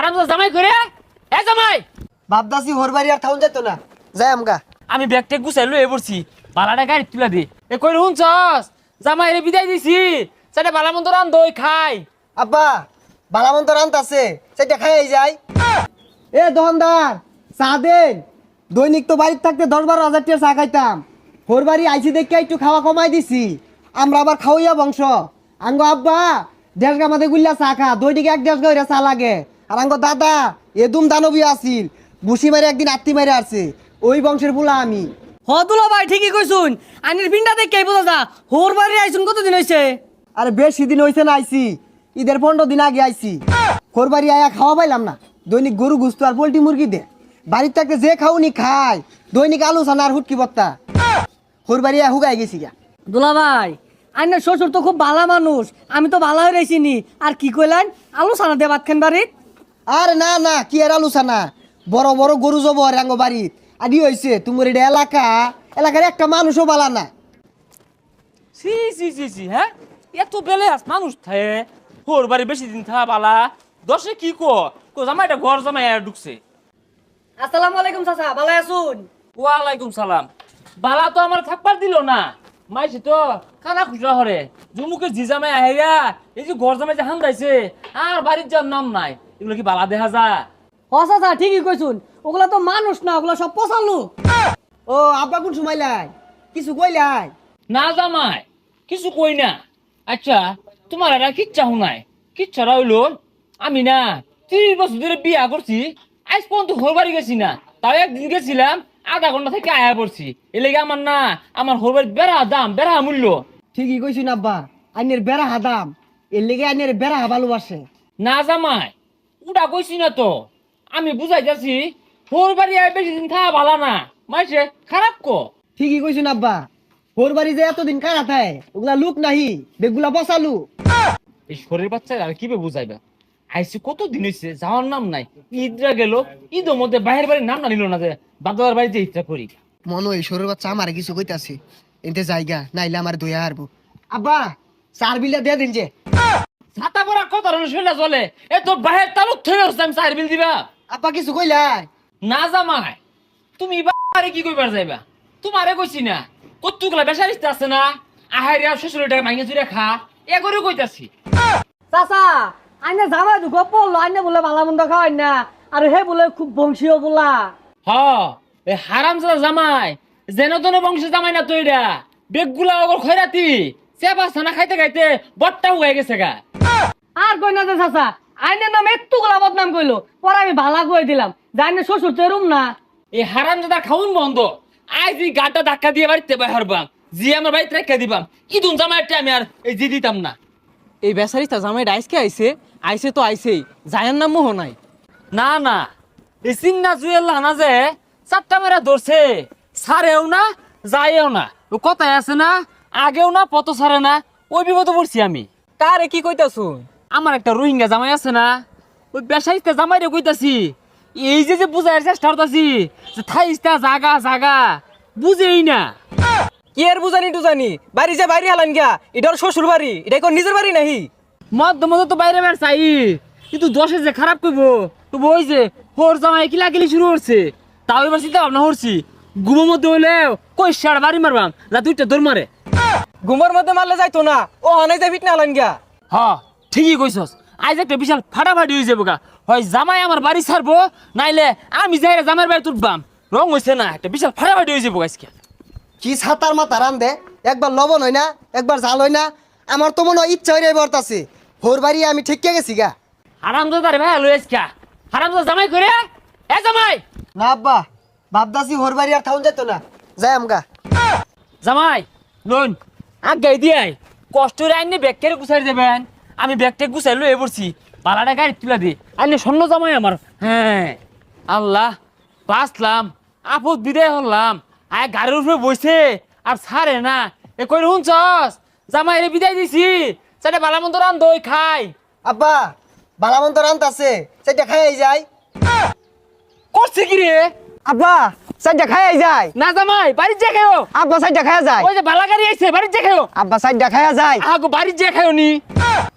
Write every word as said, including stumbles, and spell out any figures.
হারামজাদা জামাই করে এ জামাই বাপদাসি হোর বাড়ি আর থাউন যেত না যাই আমগা। আমি ব্যাগটা গুছাই লয়ে পড়ছি বালাটা গাড়ি তুলা দি এ কই হুনছস জামাই রে বিদায় দিছি সেটা বালা মন্দ রান দই খাই আব্বা বালামন্ত রান্ত আছে সেটা খাই যাই। এ দোকানদার চা দেন। দৈনিক তো বাড়িতে থাকতে দশ বারো হাজার টাকা চা খাইতাম, হোর বাড়ি আইসি দেখে একটু খাওয়া কমাই দিছি। আমরা আবার খাওয়াইয়া বংশ। আঙ্গ আব্বা দেড় গা মাঝে গুল্লা চা খা, দৈনিক এক দেড় গা চা লাগে। আর আঙ্গ দাদা এদুম দানবী আসিল, বুসি মারে একদিন আত্মি মারে আসছে, ওই বংশের বুলা আমি। হদুলা ভাই ঠিকই কইছুন, আনির পিন্ডা দেখে বোঝা যা হোর বাড়ি আইছুন কতদিন হইছে? আরে বেশি দিন হয়েছে না আইসি, ঈদের পনেরো দিন আগে আইসি। হোর বাড়ি আয়া খাওয়া পাইলাম না, দৈনিক গরু গুস্ত আর পোল্ট্রি মুরগি দে। বাড়ির থাকতে যে খাওনি খায়, দৈনিক আলু সানা আর হুটকি বত্তা। হোর বাড়ি আয়া হুগাই গেছি গা। দুলা ভাই আইনের শ্বশুর তো খুব ভালো মানুষ, আমি তো ভালো হয়ে রয়েছিনি। আর কি কইলেন আলু সানা দিয়ে ভাত খান বাড়িত? আর না না কি আর আলু সানা, বড় বড় গরু জব রাঙ্গ বাড়িত। আদি হয়েছে তোমার এটা এলাকা, এলাকার একটা মানুষও বালা না। সি সি সি সি হ্যাঁ এত বেলে আস মানুষ থাকে হোর বাড়ি বেশি দিন থা বালা দশে কি কো কো জামাইটা ঘর জামাই আর ঢুকছে। আসসালামু আলাইকুম চাচা, ভালো আছুন? ওয়ালাইকুম সালাম। বালা তো আমার থাকবার দিল না, মাইছে তো খানা খুচরা হরে জুমুকে জি জামাই আহেরা এই যে ঘর জামাই যে হান্দাইছে আর বাড়ির যার নাম নাই, এগুলো কি বালা দেখা যায়? হ চাচা ঠিকই কইছুন, ওগুলা তো মানুষ না, ওগুলা সব পচালু। ও আব্বা কোন সময় লাই কিছু কইলাই? না জামাই কিছু কই না। আচ্ছা তোমার এরা কিচ্ছা শুনাই কিচ্ছারা হইলো আমি না ত্রিশ বছর ধরে বিয়া করছি, আজ পর্যন্ত হোর বাড়ি গেছি না। তাও একদিন গেছিলাম আধা ঘন্টা থেকে আয়া পড়ছি। এ লেগে আমার না আমার হোর বাড়ির বেড়া দাম বেড়া মূল্য। ঠিকই কইছুন আব্বা, আইনের বেড়া হাদাম, এর লেগে আইনের বেড়া ভালোবাসে। না জামাই উড়া কইছি না তো, আমি বুঝাই যাচ্ছি হোর বাড়ি আয় বেশি দিন খাওয়া ভালো না, মাইছে খারাপ কো। ঠিকই কইছুন আব্বা, হোর বাড়ি যে এতদিন কারা থাকে ওগুলা লুক নাহি, বেগুলা বসালু। এই শরীর বাচ্চা আর কিভাবে বুঝাইবা? আইসি কত দিন হয়েছে যাওয়ার নাম নাই, ঈদরা গেল ঈদের মধ্যে বাইরের বাড়ির নাম না নিল না যে বাদার বাড়িতে ইচ্ছা করি। মনে হয় সরের বাচ্চা আমার কিছু কইতাছে, এতে জায়গা নাইলে আমার দইয়া হারবো। আব্বা চার বিলা দিয়ে দিন যে। ছাতা পরা কত ধরনের শৈলা চলে এ তো বাহের তালুক থেকে হচ্ছে আমি চার বিল দিবা। আব্বা কিছু কইলাই? না জামাই তুমি বাড়ি কি কইবার যাইবা? তোমারে কইছি না কতগুলা বেসারিস্তে আছে না আহারিয়া শ্বশুরের টাকা মাইনে চুরে খা এ করে কইতাছি। চাচা আইনে জামাই দুঃখ পড়লো, আইনে বলে ভালো মন্দ খাওয়াই না, আর হে বলে খুব বংশীয় বলা। হ এ হারামজাদা জামাই যেন তেন বংশের জামাই না তো এটা বেগগুলা ওগর খয়রাতি চেপা ছানা খাইতে খাইতে বট্টা হয়ে গেছে গা। আর কই না যে চাচা আইনের নাম একটু গোলা বদনাম কইলো, পরে আমি ভালা কই দিলাম জানি শ্বশুর তো এরম না। এই হারামজাদা খাউন বন্ধ, আজ এই গাটা ধাক্কা দিয়ে বাড়িতে বাইর বাম জি আমার বাড়িতে রেখে দিবাম, ইদুন জামাইটা আমি আর এই জি দিতাম না। এই বেচারিটা জামাইটা আইসকে আইছে আইছে তো আইছেই, জায়ার নাম মোহ নাই। না না এই চিন্না জুয়েল না যে চারটা মেরা ধরছে সারেও না যায়ও না, ও কথাই আছে না আগেও না পত সারে না, ওই বিপদে পড়ছি আমি। কারে কি কইতাছুন? আমার একটা রোহিঙ্গা জামাই আছে না, ওই বেসাইতে জামাই রে কইতাছি এই যে যে বুঝাইয়ের চেষ্টা করতাছি যে থাইস্তা জাগা জাগা বুঝেই না। কি আর বুঝানি টুজানি, বাড়ি যে বাইরে হালান গিয়া, এটা ওর শ্বশুর বাড়ি, এটা কোন নিজের বাড়ি নাহি? মধ্য মধ্য তো বাইরে বের চাই কিন্তু দশে যে খারাপ করবো তো ওই যে হোর জামাই কিলা কিলি শুরু করছে, তাও এবার চিন্তা ভাবনা করছি ঘুমের মধ্যে হইলেও কই সার বাড়ি মারবাম যা দুইটা দৌড় মারে। ঘুমের মধ্যে মারলে যাইতো না, ও অনেক যাই ফিটনা হালান গিয়া। হ ঠিকই কইছস, আজ একটা বিশাল ফাটাফাটি হয়ে যাবো গা, হয় জামাই আমার বাড়ি ছাড়বো নাইলে আমি যাই জামাইয়ের বাড়ি তুলবাম, রং হয়েছে না একটা বিশাল ফাটাফাটি হয়ে যাবো আজকে। কি ছাতার মাথা রান দে, একবার লবণ হয় না একবার জাল হয় না। আমার তো মনে হয় ইচ্ছা হয়ে বর্তাছে, হোর বাড়ি আমি ঠিককে গেছি গা। হারামজাদা রে ভাই লই আজকে হারামজাদা জামাই করে এ জামাই। না আব্বা বাপদাসি হোর বাড়ি আর থাউন যেত না, যাই আমগা। জামাই লোন আগাই দিয়াই কষ্ট রে আইনে ব্যাগ কেড়ে গুছাই দেবেন, আমি ব্যাগটা গুছাই লয়ে পড়ছি পালাটা গাড়ি তুলা দি আইনে স্বর্ণ জামাই আমার। হ্যাঁ আল্লাহ বাঁচলাম, আপদ বিদায় হলাম, আয় গাড়ির উপরে বসে আর ছাড়ে না। এ কই শুনছস জামাই রে বিদায় দিছি সেটা বালা মন্দ রান দই খাই। আব্বা বালামন্ত রান্ত আছে সেটা খাই যায়। করছে কি রে? আব্বা সাইডটা খাই যায়। না জামাই বাড়ির যে খাও। আব্বা সাইডটা খাই যায়। ওই যে বালা গাড়ি আইছে বাড়ির যে খাও। আব্বা সাইডটা খাই যায়। আগো বাড়ির যে খাও নি।